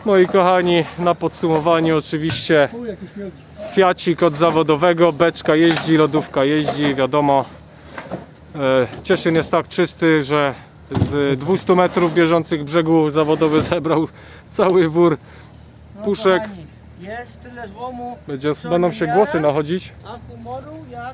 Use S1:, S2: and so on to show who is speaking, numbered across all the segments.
S1: Moi kochani, na podsumowanie oczywiście Fiacik od zawodowego, beczka jeździ, lodówka jeździ, wiadomo. Cieszyn jest tak czysty, że z 200 metrów bieżących brzegu zawodowy zebrał cały wór puszek.
S2: Kochani, jest tyle złomu,
S1: Będą się głosy nachodzić.
S2: a humoru jak...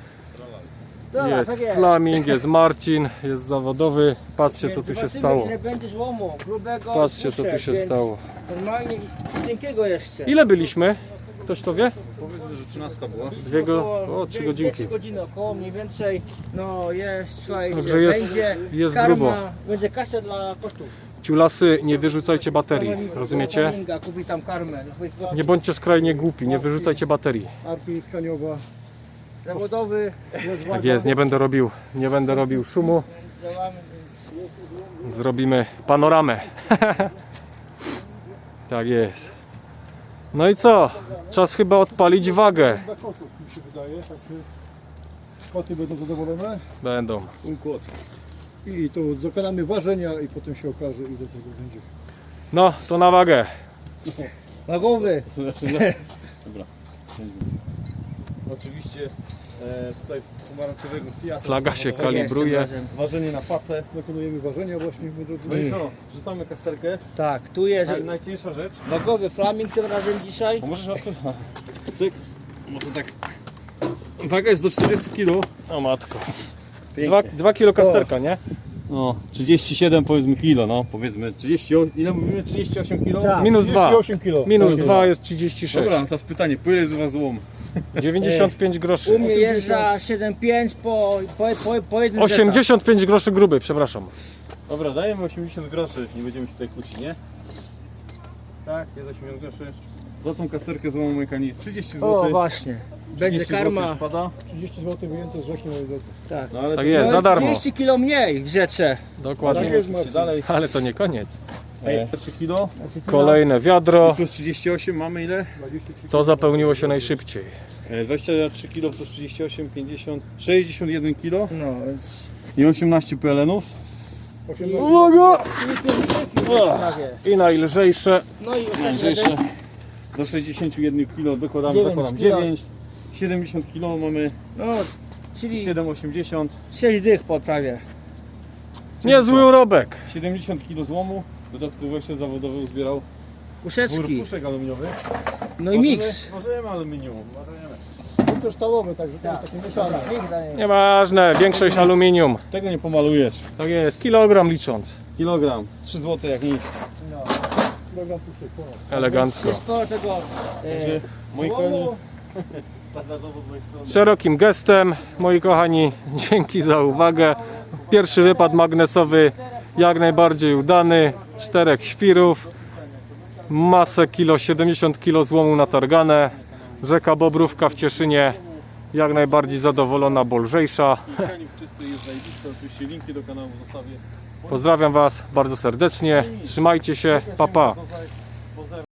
S1: Jest Flaming, jest Marcin, jest zawodowy. Patrzcie, co tu się
S2: Zobaczymy,
S1: stało.
S2: ile będzie złomu, grubego,
S1: Patrzcie, co tu
S2: puszek,
S1: się
S2: więc
S1: stało.
S2: Normalnie i cienkiego jeszcze.
S1: Ile byliśmy? Ktoś to wie?
S3: Powiedzmy, że 13 była.
S1: O, 3 godzinki.
S2: 3 godziny około mniej więcej. No jest, słuchajcie,
S1: Także jest-
S2: będzie
S1: jest
S2: karma,
S1: grubo.
S2: będzie kasę dla kosztów.
S1: Ciulasy, nie wyrzucajcie baterii, rozumiecie?
S2: Flaminga, kupi tam karmę.
S1: Nie bądźcie skrajnie głupi, nie wyrzucajcie baterii.
S4: Arpi skaniowa.
S2: Zawodowy,
S1: Tak jest, nie będę robił szumu.
S2: działamy, więc
S1: Zrobimy panoramę. Tak jest. No i co? Czas chyba odpalić wagę.
S4: Dla kotów mi się wydaje. Także koty będą zadowolone.
S1: Będą.
S3: Mój kłod.
S4: I to dokonamy ważenia i potem się okaże ile tego będzie.
S1: No, to na wagę.
S2: wagowy.
S3: Dobra. Oczywiście tutaj pomarańczowego Fiata.
S1: Flaga się
S2: Tak
S1: kalibruje.
S2: jest, tym razem.
S3: Ważenie na pacę.
S4: Dokonujemy ważenia właśnie, moi drodzy.
S3: No i co? Rzucamy kasterkę.
S2: Tak, tu jest
S3: Najcięższa rzecz.
S2: wagowy Flaming tym razem dzisiaj.
S3: Bo możesz na cyk. Może tak. Waga jest do 40 kg.
S1: O matko.
S3: Pięknie.
S1: 2 kilo kasterka, nie?
S3: No, 37 powiedzmy kilo, no powiedzmy 38, ile mówimy? 38 kilo?
S2: Tak.
S1: Minus 2.
S4: 38 kg.
S1: Minus 2 jest 36.
S3: Dobra, no teraz pytanie, po ile jest u was złom?
S1: 95 groszy.
S2: U mnie jeżdża 7,5 po jednym
S1: 85 groszy gruby, przepraszam.
S3: Dobra, dajemy 80 groszy, nie będziemy się tutaj kłócić, nie? Tak, jest 80 groszy. Za tą kasterkę złomu mój kani 30 zł.
S2: O właśnie, będzie
S3: 30
S2: karma.
S3: zł spada.
S4: 30 zł wyjęte z rzeki, moi drodzy.
S2: Tak.
S3: No ale
S1: Tak
S3: to
S1: jest, za darmo.
S2: 30 kilo mniej w rzece.
S1: Dokładnie.
S4: Tak jest,
S3: oczywiście
S4: Marcin.
S3: dalej.
S1: Ale to nie koniec.
S3: 3 kilo.
S1: Kolejne wiadro.
S3: Plus 38 mamy ile?
S4: 23
S1: To zapełniło się najszybciej.
S3: 23 kilo plus 38, 50, 61 kilo
S2: No więc...
S3: i 18 PLN-ów.
S4: 18.
S1: Uwaga!
S2: Prawie.
S1: I najlżejsze.
S2: No i
S3: Lżejsze. Do 61 kilo dokładamy,
S2: 9
S3: zakładam
S2: kilo.
S3: 9. 70 kilo mamy
S2: No, czyli
S3: 7,80.
S2: 6 dych po prawie.
S1: Niezły urobek.
S3: 70 kg złomu. Dodatkowo jeszcze zawodowy uzbierał wór
S2: Puszeczki.
S3: puszek aluminiowych.
S2: No i miks.
S3: Ważymy aluminium.
S4: To też stalowe, także to jest takie mieszane.
S1: Nieważne, większość aluminium.
S3: Tego nie pomalujesz.
S1: Tak jest, kilogram licząc.
S3: Kilogram. 3 zł jak nic.
S4: Kilogram puszek, ponad.
S1: Elegancko.
S2: Jest sporo tego
S3: Także moi koni.
S2: złomu.
S3: Standardowo z mojej strony.
S1: Szerokim gestem, moi kochani, dzięki za uwagę. Pierwszy wypad magnesowy jak najbardziej udany. 4 świrów, masę kilo, 70 kg złomu natargane. Rzeka Bobrówka w Cieszynie jak najbardziej zadowolona, bo lżejsza.
S3: Kani w czystej jest zajebiste. Oczywiście linki do kanału zostawię.
S1: Pozdrawiam Was bardzo serdecznie, trzymajcie się, pa pa.
S3: Pozdrawiam.